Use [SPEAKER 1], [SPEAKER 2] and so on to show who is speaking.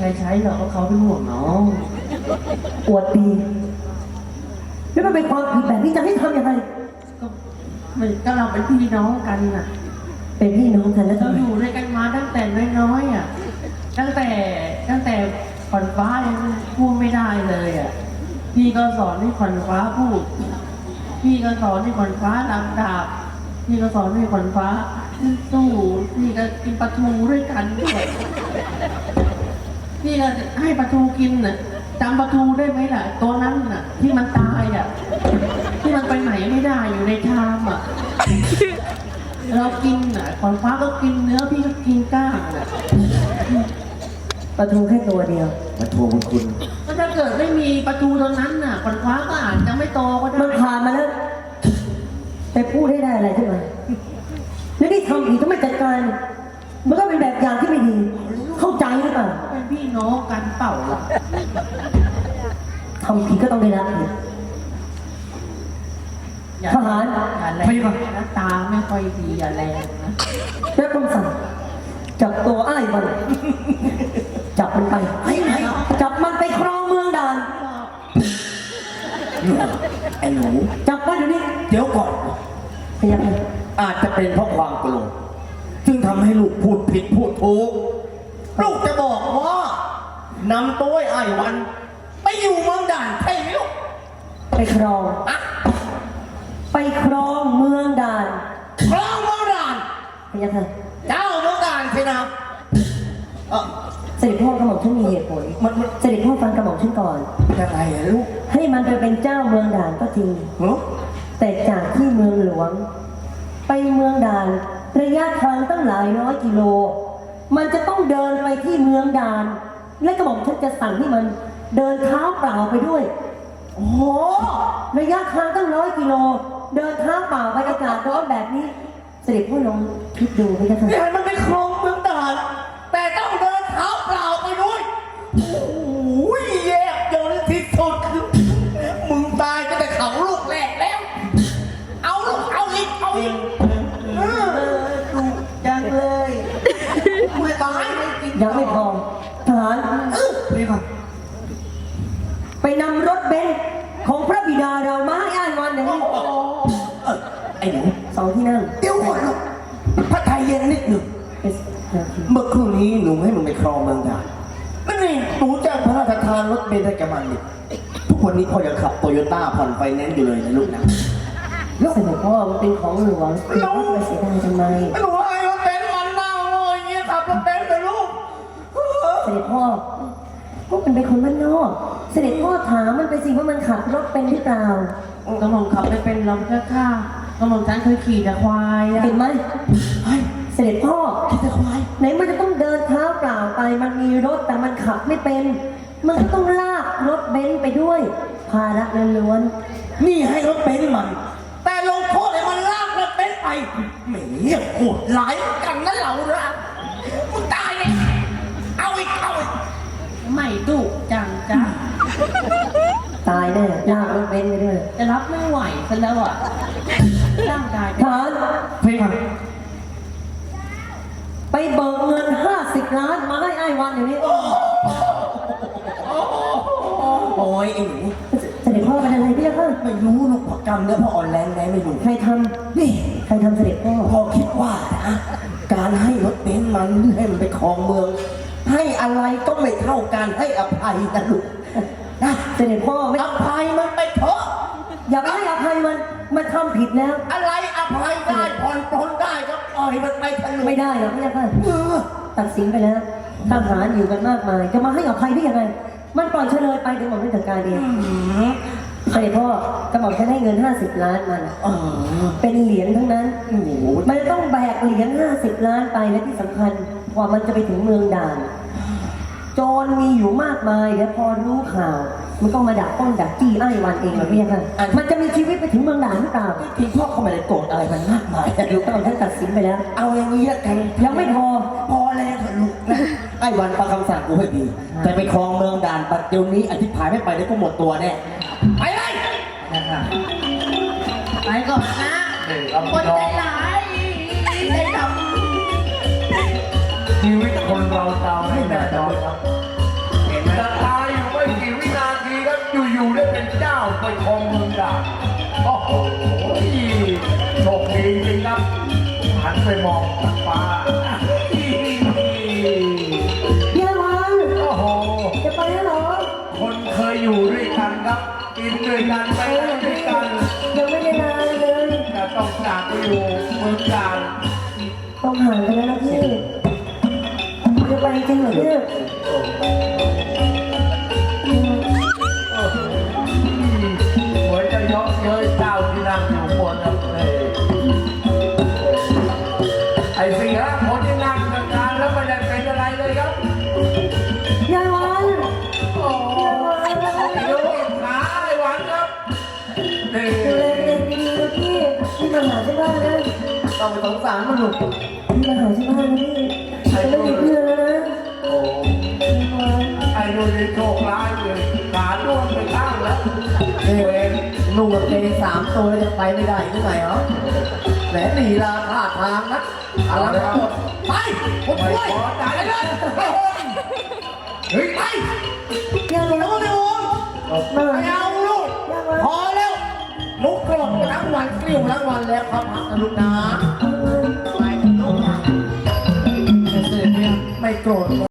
[SPEAKER 1] รใช้หรอกเพราะเขาเป็นห่วงน้อง
[SPEAKER 2] อวดดีแล้วมันเป็นความผิดแบบนี้จะให้ทำยังไง
[SPEAKER 1] ก็เราเป็นพี่น้องกันน่ะ
[SPEAKER 2] เป็นพี่น้องกันแล้ว
[SPEAKER 1] เรา
[SPEAKER 2] ทำไม
[SPEAKER 1] อยู่ด้วยกันมาตั้งแต่น้อยๆอ่ะตั้งแต่ขวัญฟ้ายังพูดไม่ได้เลยอ่ะพี่ก็สอนให้ขวัญฟ้าพูดพี่ก็สอนให้ขวัญฟ้าลำดาบพี่ก็สอนให้ขวัญฟ้าสู้พี่ก็กินปลาทูด้วยกันด้วยพี่ก็ให้ปลาทูกินน่ะจำปลาทูได้ไหมล่ะตัวนั้นน่ะที่มันตายอ่ะที่มันไปไหนไม่ได้อยู่ในชามอ่ะเรากินอ่ะขวัญฟ้าก็กินเนื้อพี่ก็กินก้างอ่ะ
[SPEAKER 2] ปลาทูแค่ตัวเดียว
[SPEAKER 3] มาโทรคุณ
[SPEAKER 1] ก็ถ้าเกิดไม่มีปลาทูตรงนั้นน่ะขวัญฟ้าก็อาจจะไม่โตก็ได้
[SPEAKER 2] มันผ่านมาแล้วไปพูดให้ได้อะไรขึ้นมาแล้วนี่ทำผิดต้องไม่จัดการมันก็เป็นแบบอย่างที่ไม่ดี เข้าใจหรือเปล่า
[SPEAKER 1] เป็นพี่น้องกันเปล่าล่ะ
[SPEAKER 2] ทำผิดก็ต้องได้รับผิด
[SPEAKER 1] อย่า
[SPEAKER 2] ทหาร
[SPEAKER 1] อย่าแรงนะตาไม่ค่อยดีอย่าแรงนะ
[SPEAKER 2] แล้วต้องสั่งจับตัวอ้ายมันจับมันไปจับมันไปครองเมืองด่าน
[SPEAKER 3] ไอ้หนู
[SPEAKER 2] จับมันอยู่นี่
[SPEAKER 3] เดี๋ยวก่อน
[SPEAKER 2] พยายาม
[SPEAKER 3] อาจจะเป็นเพราะความโกรธจึงทำให้ลูกพูดผิดพูดถูกลูกจะบอกว่านำตัวไอ้วัน ไปอยู่เมืองด่านใช่ไหมลูก
[SPEAKER 2] ไปครอง
[SPEAKER 3] อะ
[SPEAKER 2] ไปครองเมืองด่าน
[SPEAKER 3] ครองเมืองด่าน
[SPEAKER 2] พยายาม
[SPEAKER 3] เจ้าเมืองด่านใช่ไหมเออ
[SPEAKER 2] เสด็จพ่อกระหม่อมฉันมีเหตุผล
[SPEAKER 3] มัน
[SPEAKER 2] เสด็จพ่อฟังกระหม่อมฉันก่อน
[SPEAKER 3] ยังไงอะลูก
[SPEAKER 2] ให้มันไปเป็นเจ้าเมืองด่านก็จริง
[SPEAKER 3] เนาะ
[SPEAKER 2] แต่จากที่เมืองหลวง ไปเมืองด่านระยะทางตั้งหลายร้อยกิโล มันจะต้องเดินไปที่เมืองด่าน และกระหม่อมฉันจะสั่งให้มันเดินเท้าเปล่าไปด้วย
[SPEAKER 3] โอ้โห
[SPEAKER 2] ระยะทางตั้ง100 กิโล เดินเท้าเปล่าไปอากาศร้อนแบบนี้ เสด็จพ่อลองคิดดูไหมคะท่าน
[SPEAKER 3] เนี่ยมันไปครองเมืองด่าน แต่ต้องเดินเท้าเปล่าไปด้วยโอ้ยแยกจนที่สุดมึงตายก็แต่เขาลูกแรกแล้ว เอาลูกเอาอีกเอาอีก
[SPEAKER 1] ถูกจังเลยไม่ตายไม่กิน
[SPEAKER 2] ยังไม่พอทหาร
[SPEAKER 3] นี่ค่ะ
[SPEAKER 2] ไปนำรถเบนซ์ของพระบิดาเรามาให้อ้ายวันอย่างนี้
[SPEAKER 3] ไอ้หนู
[SPEAKER 2] 2 ที่นั่ง
[SPEAKER 3] เดี๋ยวก่อนลูกพระไทยเย็นนิดหนึ่ง
[SPEAKER 2] เป็นนาที
[SPEAKER 3] เมื่อครู่นี้หนูให้มึงไปครองเมืองด่านแล้วนี่หนูจะพระราชทานรถเบนซ์ให้แกมันดิทุกวันนี้พ่อยังขับโตโยต้าผ่อนไฟแนนซ์อยู่เลยนะลูกนะ
[SPEAKER 2] เสด็จพ่อมันเป็นของหลวงคุณพ่อจะไปเสียดายทำไม
[SPEAKER 3] หนูให้รถเบนซ์มันเน่าเลยอย่างเงี้ยขับรถเบนซ์เลยลูก
[SPEAKER 2] เสด็จพ่อพวกมันเป็นคนบ้านนอก เสด็จพ่อถามมันไปสิว่ามันขับรถเป็นหรือเปล่า
[SPEAKER 1] กระหม่อมขับไม่เป็นลำแค่ข้างกระหม่อมฉันเคยขี่แต่ควายอ่ะ
[SPEAKER 2] เห็นไหม
[SPEAKER 3] เฮ้ย
[SPEAKER 2] เสด็จพ่อ
[SPEAKER 3] คิดจะควาย
[SPEAKER 2] ไหนมันจะต้องเดินเท้าเปล่าไป มันมีรถแต่มันขับไม่เป็น มันก็ต้องลากรถเบนซ์ไปด้วย ภาระล้วน
[SPEAKER 3] นี่ให้รถเบนซ์มัน แต่ลงโทษให้มันลากรถเบนซ์ไปแหมโหดร้ายกันนะเราละมึงตายเลยเอาอีกเอาอีก
[SPEAKER 1] ไม่ดุจังจ้ะ
[SPEAKER 2] ๆตายแน่ลากรถเบนซ์ไปด้วย
[SPEAKER 1] จะรับไม่ไหวซะแล้วอ่ะร่างกาย
[SPEAKER 2] ทหาร
[SPEAKER 3] เพลงมัน
[SPEAKER 2] ไปเบิกเงิน50 ล้านมาให้อ้ายวันอย่างนี้
[SPEAKER 3] โอ้ยไอ้หนู
[SPEAKER 2] เสด็จพ่อเป็นอะไรพี่ล่ะคะ
[SPEAKER 3] ไม่รู้ลูกพอกรรมเนื้อพออ่อนแรงไงไม่รู้
[SPEAKER 2] ใครท
[SPEAKER 3] นี่
[SPEAKER 2] ำใครทำเสด็จพ่อ
[SPEAKER 3] พ่อคิดว่านะการให้รถเบนซ์มันให้มันไปครองเมือง ให้อะไรก็ไม่เท่าการให้อภัยนะลูกนะ
[SPEAKER 2] เสด็จพ่อไม่
[SPEAKER 3] อภัยมันไปเถอะ
[SPEAKER 2] อย่าไปให้อภัยมันทำผิดแล้ว
[SPEAKER 3] อะไรอภัยได้ผ่อนปลนได้ก็ปล่อยมันไปเถอะลูก
[SPEAKER 2] ไม่ได้หรอกพี่ล่ะคะ
[SPEAKER 3] เออ
[SPEAKER 2] ตัดสินไปแล้วทหารอยู่กันมากมาย จะมาให้อภัยได้ยังไง มันปล่อยเฉลยไปเดี๋ยวหม่อมไม่จัดการเองเสด็จพ่อกระหม่อมจะให้เงิน50 ล้านมัน
[SPEAKER 3] อ๋อ
[SPEAKER 2] เป็นเหรียญทั้งนั้น
[SPEAKER 3] โอ้โห
[SPEAKER 2] มันต้องแบกเหรียญ50 ล้านไปและที่สำคัญกว่ามันจะไปถึงเมืองด่าน โจรมีอยู่มากมายเดี๋ยวพอรู้ข่าว มันก็มาดักต้นดักจี้ไอ้วันเองเหรอพี่ยังไงมันจะมีชีวิตไปถึงเมืองด่านหรือเปล่า
[SPEAKER 3] ที่พ่อเขาไม่ได้โกรธอะไรมันมากมายนะลูก
[SPEAKER 2] กระหม่อมท่านตัดสินไปแล้ว
[SPEAKER 3] เอาอย่างนี้ละกัน
[SPEAKER 2] ยังไม่พอ
[SPEAKER 3] พอแล้วเถอะลูกนะไอ้วันฟังคำสั่งกูให้ดีจะไปครองเมืองด่านปัจจุบันนี้อธิพายไม่ไปเดี๋ยวก็หมดตัวแน่ไปเลย
[SPEAKER 1] ไปก่อนนะคนใจร้ายใจดำ
[SPEAKER 4] ชีวิตคนเราจะให้แน่นอนครับ
[SPEAKER 3] ไปครองเมืองด่านโอ้โหโชคดีจริงครับหันไปมองฟ้า
[SPEAKER 2] เยี่ยวัน
[SPEAKER 3] โอ้โห
[SPEAKER 2] จะไปแล้วเหรอ
[SPEAKER 3] คนเคยอยู่ด้วยกันครับกินด้วยกันไปไหนด้วยกัน
[SPEAKER 2] ยังไม่ได้ลาเลย
[SPEAKER 3] แต่ต้องจากไปอยู่เมืองด่าน
[SPEAKER 2] ต้องห่างกันแล้วนะพี่จะไปจริงเหรอเนี่ย
[SPEAKER 3] เหมือนจะเยาะเย้ยเจ้าที่นั่งอยู่บนนั้นเลยไอ้สิ่งละคนที่นั่งกลางๆแล้วไม่ได้เป็นอะไรเลยครับ
[SPEAKER 2] ยายวัน
[SPEAKER 3] โอ้โหไอ้ลูกขาไอ้หวานครับนี่
[SPEAKER 2] ดูแลตัวเองดีๆนะพี่พี่มาหาที่บ้านนะ
[SPEAKER 1] ต้องไปสงสารมันลูก
[SPEAKER 2] พี่มาหาที่บ้านนะพี่จะไม่มีเพื่อนแล้วนะ
[SPEAKER 3] โอ้ไอ้ลูกนี่โชคร้ายเลยขาด้วนไปข้างแล้วเวร
[SPEAKER 1] ลุงกับเพลง3 ตัวแล้วจะไปไม่ได้ยังไงเหรอแหมหนีลาท่าทางนะ
[SPEAKER 3] เอาละครับ
[SPEAKER 1] ไปผม
[SPEAKER 3] ไม่
[SPEAKER 1] ช่วย
[SPEAKER 3] พอใจเลยเฮ้ยไป
[SPEAKER 2] ยายวัน
[SPEAKER 1] แล้วก็ไม่โอน
[SPEAKER 2] มา
[SPEAKER 1] ไม่เอาลูก
[SPEAKER 2] ยายวัน
[SPEAKER 1] พอแล้วลุกกลงทั้งวันเกลี้ยวทั้งวันแล้วครับพักนะลูกนะไปลูกไม่โกรธ